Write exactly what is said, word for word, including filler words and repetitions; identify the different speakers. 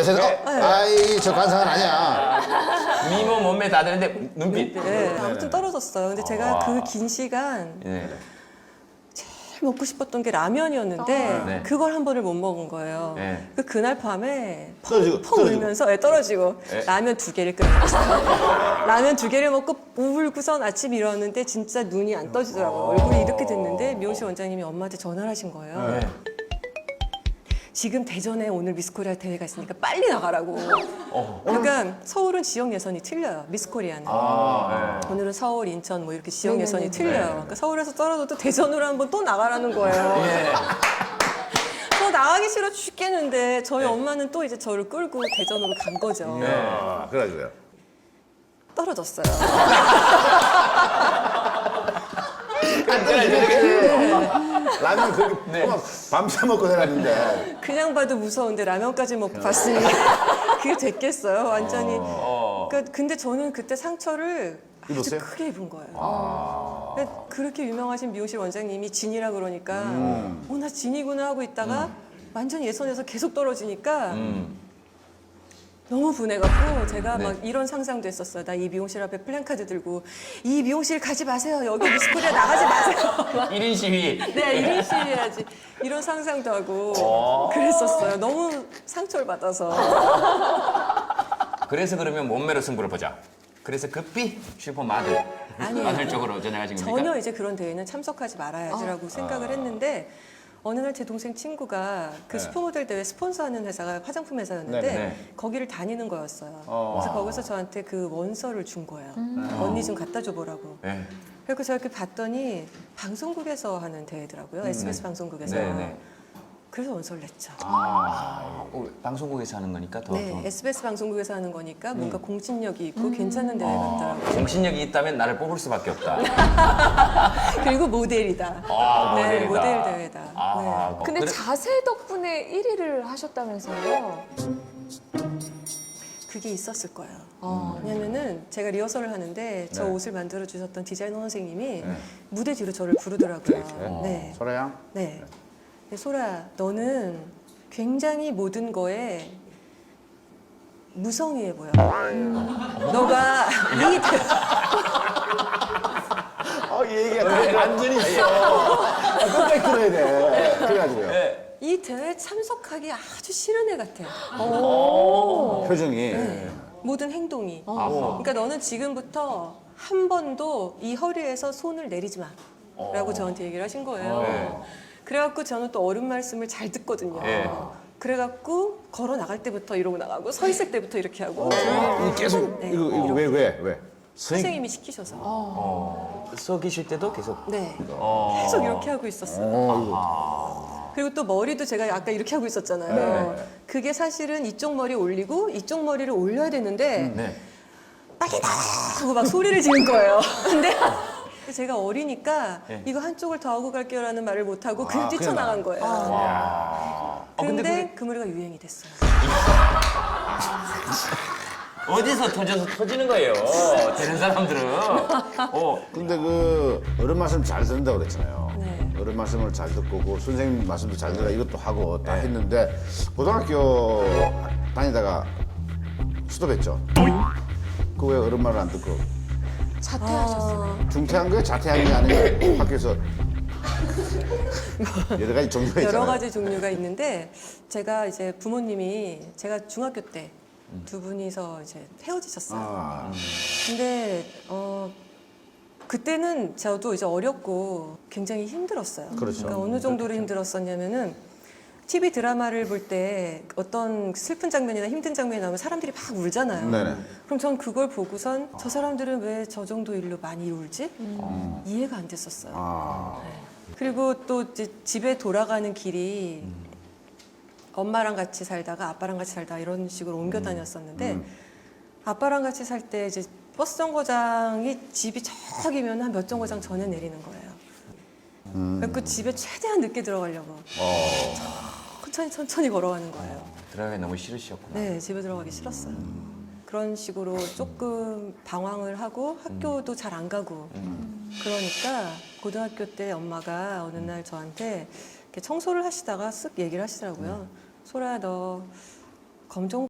Speaker 1: 제가 어, 아이 저 관상은 아니야.
Speaker 2: 미모 몸매 다 되는데 눈빛.
Speaker 3: 네, 아무튼 떨어졌어요. 근데 제가 그 긴 시간
Speaker 2: 네.
Speaker 3: 제일 먹고 싶었던 게 라면이었는데
Speaker 2: 네.
Speaker 3: 그걸 한 번을 못 먹은 거예요.
Speaker 2: 네.
Speaker 3: 그 그날 밤에
Speaker 1: 떨어지고,
Speaker 3: 펑
Speaker 1: 떨어지고.
Speaker 3: 울면서 네, 떨어지고
Speaker 2: 네.
Speaker 3: 라면 두 개를 끓여 먹었어요. 라면 두 개를 먹고 울고선 아침 일어났는데 진짜 눈이 안 떠지더라고요. 얼굴이 이렇게 됐는데 미용실 원장님이 엄마한테 전화를 하신 거예요.
Speaker 2: 네.
Speaker 3: 지금 대전에 오늘 미스코리아 대회가 있으니까 빨리 나가라고.
Speaker 2: 어.
Speaker 3: 그러니까 서울은 지역 예선이 틀려요. 미스코리아는.
Speaker 2: 아, 네.
Speaker 3: 오늘은 서울, 인천 뭐 이렇게 지역 예선이
Speaker 4: 네네네.
Speaker 3: 틀려요. 그러니까 서울에서 떨어져도 대전으로 한번 또 나가라는 거예요.
Speaker 2: 예.
Speaker 3: 저 나가기 싫어 죽겠는데 저희 엄마는 또 이제 저를 끌고 대전으로 간 거죠.
Speaker 2: 네.
Speaker 1: 아, 그래가지고요.
Speaker 3: 떨어졌어요.
Speaker 1: 라면 그렇게
Speaker 2: 네.
Speaker 1: 밤새 먹고 살았는데.
Speaker 3: 그냥 봐도 무서운데 라면까지 먹고 봤으니 그게 됐겠어요. 완전히.
Speaker 2: 어.
Speaker 3: 그러니까 근데 저는 그때 상처를 아주
Speaker 1: 입었어요?
Speaker 3: 크게 입은 거예요. 그러니까 그렇게 유명하신 미용실 원장님이 진이라 그러니까
Speaker 1: 음.
Speaker 3: 어, 나 진이구나 하고 있다가 완전 예선에서 계속 떨어지니까
Speaker 2: 음.
Speaker 3: 너무 분해갖고 제가
Speaker 2: 네.
Speaker 3: 막 이런 상상도 했었어요. 나 이 미용실 앞에 플랜카드 들고 이 미용실 가지 마세요. 여기 미스코리아 나가지 마세요.
Speaker 2: 일 인 시위.
Speaker 3: 네, 일 인 시위해야지. 이런 상상도 하고
Speaker 2: 어.
Speaker 3: 그랬었어요. 너무 상처를 받아서.
Speaker 2: 그래서 그러면 몸매로 승부를 보자. 그래서 급히 슈퍼 마들.
Speaker 3: 아니에요.
Speaker 2: 마들 쪽으로 전향하신 겁니까?
Speaker 3: 전혀 이제 그런 대회는 참석하지 말아야지라고 생각을 했는데 어느 날 제 동생 친구가 그
Speaker 1: 네.
Speaker 3: 슈퍼모델 대회 스폰서하는 회사가 화장품 회사였는데
Speaker 1: 네,
Speaker 2: 네.
Speaker 3: 거기를 다니는 거였어요.
Speaker 1: 어.
Speaker 3: 그래서 거기서 저한테 그 원서를 준 거예요. 언니 좀 갖다 줘보라고.
Speaker 2: 네.
Speaker 3: 그래서 제가 이렇게 봤더니 방송국에서 하는 대회더라고요. 에스비에스 방송국에서.
Speaker 2: 네, 네.
Speaker 3: 그래서 원서를 냈죠.
Speaker 2: 아, 어, 방송국에서 하는 거니까 더.
Speaker 3: 네,
Speaker 2: 더.
Speaker 3: 에스비에스 방송국에서 하는 거니까 뭔가
Speaker 2: 음.
Speaker 3: 공신력이 있고 괜찮은 대회
Speaker 2: 아,
Speaker 3: 같더라고요.
Speaker 2: 정신력이 있다면 나를 뽑을 수밖에 없다.
Speaker 3: 그리고 모델이다.
Speaker 2: 아,
Speaker 3: 네,
Speaker 2: 모델이다.
Speaker 3: 모델 대회다.
Speaker 2: 아,
Speaker 3: 네.
Speaker 2: 뭐
Speaker 4: 근데
Speaker 2: 그래-
Speaker 4: 자세 덕분에 일 위를 하셨다면서요?
Speaker 3: 그게 있었을 거예요.
Speaker 4: 어.
Speaker 3: 왜냐면은 제가 리허설을 하는데 저
Speaker 1: 네.
Speaker 3: 옷을 만들어 주셨던 디자이너 선생님이
Speaker 1: 네.
Speaker 3: 무대 뒤로 저를 부르더라고요.
Speaker 1: 네.
Speaker 3: 네.
Speaker 1: 소라양?
Speaker 3: 네. 네, 소라, 너는 굉장히 모든 거에 무성의해 보여. 너가 이 대...
Speaker 1: 어, 이 얘기가 완전히 있어. 끝까지 들어야 돼. 그래가지고요.
Speaker 2: 네.
Speaker 3: 이 대회에 참석하기 아주 싫은 애 같아.
Speaker 1: 표정이.
Speaker 3: 모든 행동이.
Speaker 2: 아하.
Speaker 3: 그러니까 너는 지금부터 한 번도 이 허리에서 손을 내리지 마. 라고 저한테 얘기를 하신 거예요.
Speaker 2: 네.
Speaker 3: 그래갖고 저는 또 어른 말씀을 잘 듣거든요.
Speaker 2: 네.
Speaker 3: 그래갖고 걸어 나갈 때부터 이러고 나가고 서 있을 때부터 이렇게 하고
Speaker 1: 이 계속,
Speaker 3: 네,
Speaker 1: 이거, 이거
Speaker 3: 이렇게.
Speaker 1: 왜, 왜, 왜? 선생님.
Speaker 3: 선생님이 시키셔서.
Speaker 2: 어, 서 계실 때도 계속.
Speaker 3: 네.
Speaker 2: 어.
Speaker 3: 계속 이렇게 하고 있었어요.
Speaker 1: 어,
Speaker 3: 그리고 또 머리도 제가 아까 이렇게 하고 있었잖아요.
Speaker 1: 네.
Speaker 3: 그게 사실은 이쪽 머리 올리고 이쪽 머리를 올려야 되는데
Speaker 2: 네.
Speaker 3: 빨리 나와 하고 막 소리를 지른 거예요. 근데 제가 어리니까
Speaker 2: 네.
Speaker 3: 이거 한쪽을 더 하고 갈게요라는 말을 못 하고 그냥
Speaker 1: 아,
Speaker 3: 뛰쳐나간
Speaker 1: 그냥
Speaker 3: 거예요.
Speaker 2: 어,
Speaker 3: 근데,
Speaker 2: 근데
Speaker 3: 그 머리가 유행이 됐어요.
Speaker 2: 어디서 터져서 터지는 거예요. 되는 사람들은. 어.
Speaker 1: 근데 그 어른 말씀 잘 듣는다고 그랬잖아요.
Speaker 3: 네.
Speaker 1: 어른 말씀을 잘 듣고 그 선생님 말씀도 잘 들어 이것도 하고 다
Speaker 2: 네.
Speaker 1: 했는데 고등학교 다니다가 스톱했죠. 그 왜 어른 말을 안 듣고
Speaker 4: 자퇴하셨어요.
Speaker 1: 중퇴한 거예요? 자퇴한 게 아니라 학교에서 여러 가지 종류가 있잖아요.
Speaker 3: 여러 가지 종류가 있는데 제가 이제 부모님이 제가 중학교 때 두 분이서 이제 헤어지셨어요.
Speaker 1: 아,
Speaker 3: 근데 어 그때는 저도 이제 어렸고 굉장히 힘들었어요.
Speaker 1: 그렇죠.
Speaker 3: 그러니까 어느 정도로 힘들었었냐면은 티비 드라마를 볼 때 어떤 슬픈 장면이나 힘든 장면이 나오면 사람들이 막 울잖아요.
Speaker 1: 네네.
Speaker 3: 그럼 전 그걸 보고선 저 사람들은 왜 저 정도 일로 많이 울지? 이해가 안 됐었어요.
Speaker 1: 아,
Speaker 3: 그리고 또 이제 집에 돌아가는 길이 엄마랑 같이 살다가 아빠랑 같이 살다 이런 식으로 옮겨 다녔었는데
Speaker 1: 음.
Speaker 3: 아빠랑 같이 살 때 이제 버스 정거장이 집이 저기면 한 몇 정거장 전에 내리는 거예요.
Speaker 1: 음.
Speaker 3: 그래서 집에 최대한 늦게 들어가려고
Speaker 1: 어,
Speaker 3: 천천히 천천히 걸어가는 거예요.
Speaker 2: 들어가기 너무 싫으셨구나.
Speaker 3: 네, 집에 들어가기 싫었어요. 그런 식으로 조금 방황을 하고 학교도 잘 안 가고 그러니까 고등학교 때 엄마가 어느 날 저한테 이렇게 청소를 하시다가 쓱 얘기를 하시더라고요. 소라야 너 검정